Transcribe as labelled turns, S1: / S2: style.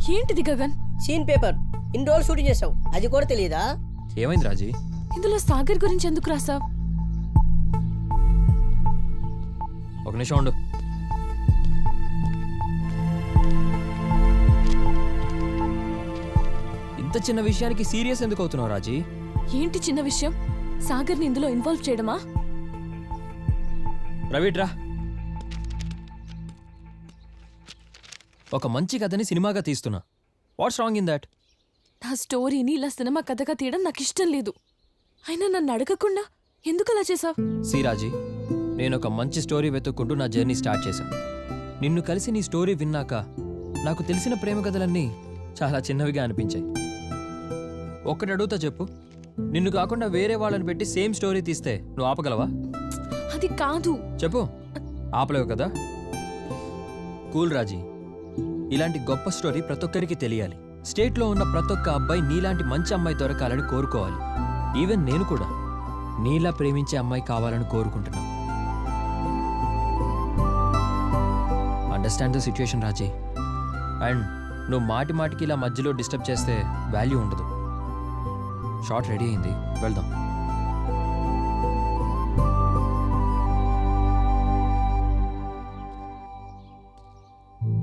S1: ఏంటిది Gagan?
S2: Scene paper ఇన్ని రోజులు షూటింగ్ చేసావు, అది కూడా తెలియదా?
S3: ఏమైంది రాజీ?
S1: ఇందులో సాగర్ గురించి ఎందుకు రాసావ్?
S3: ఒక నిమిషం ఉండు. ఇంత చిన్న విషయానికి సీరియస్ ఎందుకు అవుతున్నావు రాజీ?
S1: ఏంటి చిన్న విషయం? సాగర్ని ఇందులో ఇన్వాల్వ్ చేయడమా?
S3: రవిట్రా, ఒక మంచి కథని సినిమాగా తీస్తున్నా. What's wrong in that?
S1: నా స్టోరీని ఇలా సినిమా కథగా తీయడం నాకు ఇష్టం లేదు. అయినా నన్ను అడగకుండా ఎందుకు అలా చేసావ్?
S3: సి రాజీ, నేను ఒక మంచి స్టోరీ వెతుక్కుంటూ నా జర్నీ స్టార్ట్ చేశాను. నిన్ను కలిసి నీ స్టోరీ విన్నాక నాకు తెలిసిన ప్రేమ కథలన్నీ చాలా చిన్నవిగా అనిపించాయి. ఒక్కటి అడుగుతా చెప్పు, నిన్ను కాకుండా వేరే వాళ్ళని పెట్టి సేమ్ స్టోరీ తీస్తే నువ్వు ఆపగలవా?
S1: అది కాదు.
S3: చెప్పు, ఆపలేవు కదా? కూల్ రాజీ, ఇలాంటి గొప్ప స్టోరీ ప్రతి ఒక్కరికి తెలియాలి. స్టేట్లో ఉన్న ప్రతి ఒక్క అబ్బాయి నీలాంటి మంచి అమ్మాయి దొరకాలని కోరుకోవాలి. ఈవెన్ నేను కూడా నీలా ప్రేమించే అమ్మాయి కావాలని కోరుకుంటున్నా. Understand the situation Raji. And నువ్వు మాటికి ఇలా మధ్యలో డిస్టర్బ్ చేస్తే వాల్యూ ఉండదు. షార్ట్ రెడీ అయింది, వెళ్దాం.